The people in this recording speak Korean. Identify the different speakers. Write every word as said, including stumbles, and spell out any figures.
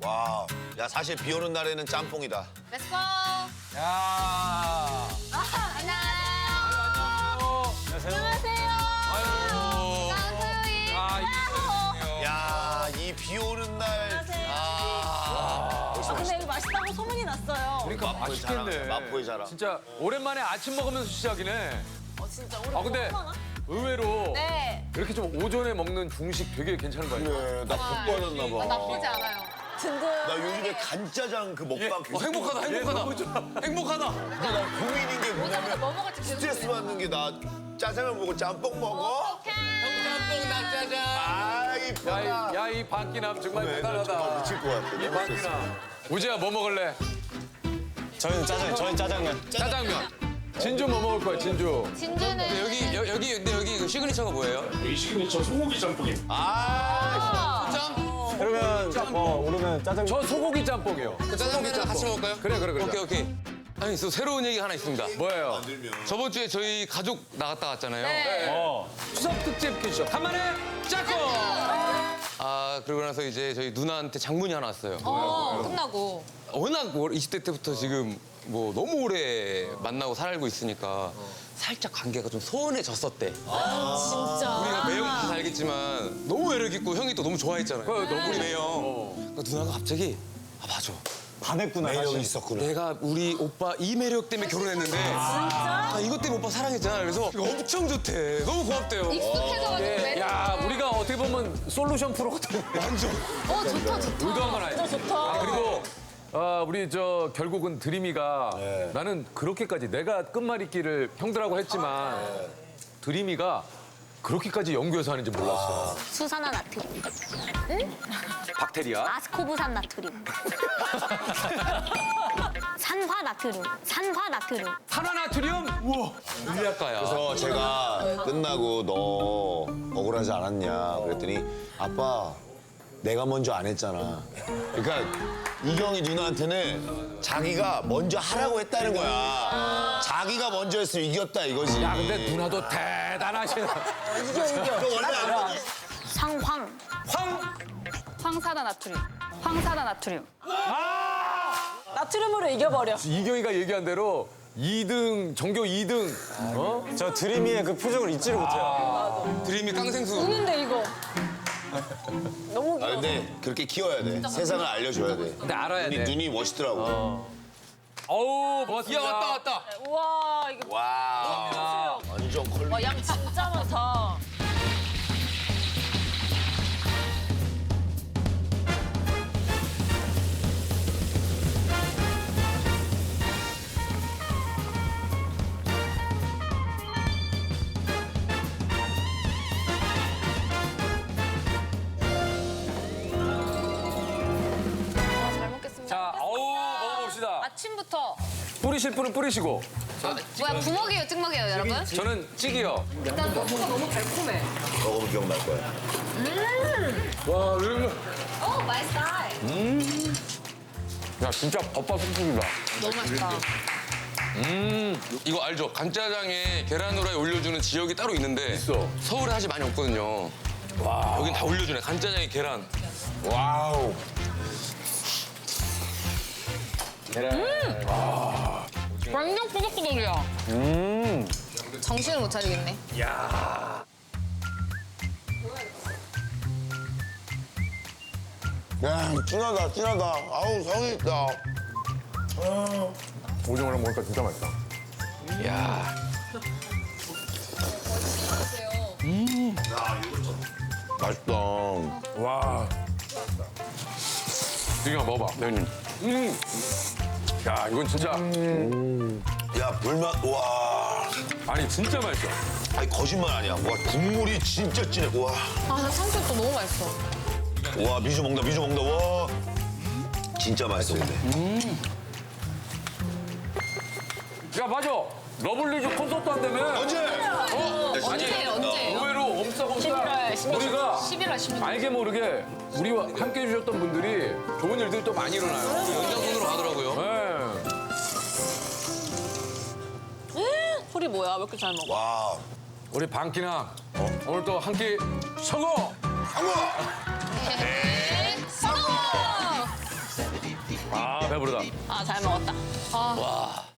Speaker 1: 와, 야 사실 비 오는 날에는 짬뽕이다.
Speaker 2: 렛츠고.
Speaker 3: 야.
Speaker 2: 안녕하세요. 안녕하세요.
Speaker 3: 아이고.
Speaker 2: 깡소희.
Speaker 3: 아, 이게
Speaker 1: 야, 이 비 오는 날. 아,
Speaker 4: 아, 근데 여기 맛있다고 소문이 났어요.
Speaker 3: 그러니까
Speaker 1: 마포의
Speaker 3: 맛있겠네.
Speaker 1: 자랑, 마포의 자랑.
Speaker 3: 진짜 오랜만에 아침 먹으면서 시작이네.
Speaker 4: 어, 진짜 우리
Speaker 3: 아 근데
Speaker 4: 얼마나?
Speaker 3: 의외로
Speaker 2: 네.
Speaker 3: 이렇게 좀 오전에 먹는 중식 되게 괜찮은 거 아니야?
Speaker 1: 그래, 나 복 받았나
Speaker 2: 아,
Speaker 1: 봐.
Speaker 2: 나쁘지 않아요.
Speaker 4: 든든.
Speaker 1: 나 요즘에 간짜장 그 먹방
Speaker 3: 어, 행복하다, 행복하다. 행복하다.
Speaker 1: 근데 나 고민인 게
Speaker 2: 오자마자
Speaker 1: 뭐냐면
Speaker 2: 뭐 먹을지 계속
Speaker 1: 스트레스
Speaker 2: 고민해.
Speaker 1: 받는 게 나 짜장면 먹고 짬뽕 먹어?
Speaker 3: 짬뽕 낙짜장.
Speaker 1: 아,
Speaker 3: 야,
Speaker 1: 이쁘다.
Speaker 3: 이, 야, 이 박기남 정말
Speaker 1: 네, 나 정말
Speaker 3: 대단하다.
Speaker 1: 미칠 것 같아.
Speaker 3: 이
Speaker 1: 너무 스트레스.
Speaker 3: 박기남. 우지야 뭐 먹을래?
Speaker 5: 저희는 짜장, 저희는 짜장면.
Speaker 3: 짜장면. 진주 뭐 먹을 거야, 진주?
Speaker 2: 진주는
Speaker 6: 여기 여, 여기 근데 여기 그 시그니처가 뭐예요?
Speaker 7: 여기 시그니처 소고기 짬뽕입니다.
Speaker 1: 아,
Speaker 6: 짬?
Speaker 5: 그러면 뭐 오르면 짜장.
Speaker 3: 저 소고기 짬뽕이요.
Speaker 6: 그 짜장면이랑 같이 먹을까요?
Speaker 3: 그래, 그래, 그래.
Speaker 6: 오케이 오케이. 아니 또 새로운 얘기 하나 있습니다.
Speaker 3: 뭐예요?
Speaker 6: 저번 주에 저희 가족 나갔다 왔잖아요.
Speaker 2: 네.
Speaker 5: 어.
Speaker 3: 추석 특집 퀴즈. 간만에 짝꿍!
Speaker 6: 아 그러고 나서 이제 저희 누나한테 장문이 하나 왔어요.
Speaker 2: 어, 끝나고.
Speaker 6: 워낙 이십 대 때부터 지금 뭐 너무 오래 만나고 살고 있으니까 살짝 관계가 좀 소원해졌었대.
Speaker 4: 진짜.
Speaker 6: 우리가 매형 다 알겠지만 너무 매력 있고 형이 또 너무 좋아했잖아요.
Speaker 3: 그래, 너무
Speaker 6: 우리 매형. 그러니까 누나가 갑자기 아 맞아.
Speaker 5: 반했구나.
Speaker 1: 매력이
Speaker 5: 사실.
Speaker 1: 있었구나.
Speaker 6: 내가 우리 오빠 이 매력 때문에 결혼했는데 아, 이것 때문에 오빠 사랑했잖아. 그래서 이거 엄청 좋대. 너무 고맙대요.
Speaker 2: 익숙해져가지고
Speaker 3: 예,
Speaker 2: 매력.
Speaker 3: 야, 우리가 어떻게 보면 솔루션 프로 같은
Speaker 6: 완전.
Speaker 2: 어, 좋다, 좋다.
Speaker 3: 의도한 건 아니지.
Speaker 4: 좋다.
Speaker 3: 아, 그리고 아, 우리 저 결국은 드림이가 나는 그렇게까지 내가 끝말잇기를 형들하고 했지만 드림이가 그렇게까지 연구해서 하는지 몰랐어.
Speaker 8: 수산화 나트륨,
Speaker 3: 박테리아.
Speaker 8: 아스코브산 나트륨, 산화 나트륨, 산화 나트륨.
Speaker 3: 산화나트륨? 우와.
Speaker 6: 물리학과야.
Speaker 1: 그래서 제가 끝나고 너 억울하지 않았냐 그랬더니 아빠 내가 먼저 안 했잖아. 그러니까 이경이 누나한테는 자기가 먼저 하라고 했다는 거야. 자기가 먼저 했으면 이겼다 이거지.
Speaker 3: 야, 근데 누나도 대단하시네.
Speaker 4: 이겨, 이겨.
Speaker 1: 너 원래 안 했지?
Speaker 8: 상황,
Speaker 3: 황!
Speaker 2: 황사다 나트륨. 황사다 나트륨.
Speaker 4: 나트륨으로 이겨버려.
Speaker 3: 이경이가 얘기한 대로 이 등, 전교 이 등. 어?
Speaker 5: 저 드림이의 그 표정을 잊지를 못해요.
Speaker 6: 드림이 깡생수.
Speaker 4: 우는데 이거. 너무
Speaker 1: 아
Speaker 4: 귀여워.
Speaker 1: 근데 그렇게 키워야 돼. 세상을 알려줘야 돼.
Speaker 3: 근데 알아야
Speaker 1: 눈이,
Speaker 3: 돼.
Speaker 1: 눈이 멋있더라고.
Speaker 3: 어우, 고맙습니다.
Speaker 6: 야 왔다 왔다.
Speaker 4: 우와, 이거
Speaker 1: 와, 완전 컬.
Speaker 4: 와, 양 진짜 많다.
Speaker 2: 잘 먹겠습니다.
Speaker 3: 자, 어우, 먹어봅시다.
Speaker 2: 아침부터.
Speaker 3: 뿌리실 분은 뿌리시고.
Speaker 2: 뭐야, 부먹이에요, 찍먹이에요, 여러분?
Speaker 3: 저는 찌개요.
Speaker 2: 일단 소스가 너무 달콤해.
Speaker 1: 먹어보면 기억날 거야.
Speaker 3: 와, 이거.
Speaker 2: 오, 마이 스타일.
Speaker 3: 야, 진짜 겉바속촉이다.
Speaker 2: 너무 맛있다.
Speaker 6: 이거 알죠? 간짜장에 계란 후라이 올려주는 지역이 따로 있는데
Speaker 3: 있어.
Speaker 6: 서울에 사실 많이 없거든요. 와. 여긴 다 올려주네. 간짜장에 계란.
Speaker 1: 와우.
Speaker 2: 완전 꾸덕꾸덕이야. 음. 정신을 못 차리겠네.
Speaker 1: 야, 진하다, 진하다. 아우, 성이 있다.
Speaker 3: 오징어랑 먹으니까 진짜 맛있다.
Speaker 6: 야.
Speaker 1: 맛있다.
Speaker 3: 와. 지금 먹어봐.
Speaker 6: 형님.
Speaker 3: 음. 야, 이건 진짜.
Speaker 1: 야, 불맛, 와.
Speaker 3: 아니, 진짜 맛있어.
Speaker 1: 아니, 거짓말 아니야. 와, 국물이 진짜 진해. 와.
Speaker 2: 아, 나 탕수육도 너무 맛있어.
Speaker 1: 와, 미주 먹는다, 미주 먹는다. 와. 진짜 맛있어, 근데.
Speaker 3: 야, 맞아. 러블리즈 콘서트 한다며.
Speaker 1: 언제? 어?
Speaker 2: 언제예요, 언제예요?
Speaker 3: 의외로 엄싸엄싸
Speaker 4: 십일월 십육.
Speaker 3: 우리가
Speaker 2: 십일월 십육 일.
Speaker 3: 알게 모르게 우리와 함께 해주셨던 분들이 좋은 일들이 또 많이 일어나요.
Speaker 6: 연장선으로 가더라고요.
Speaker 3: 네.
Speaker 4: 소리 뭐야? 왜 이렇게 잘 먹어?
Speaker 1: 와.
Speaker 3: 우리 방키나 오늘 또 한 끼 성공!
Speaker 1: 상호!
Speaker 2: 네. 성공!
Speaker 3: 배부르다.
Speaker 4: 아, 잘 먹었다.
Speaker 2: 아,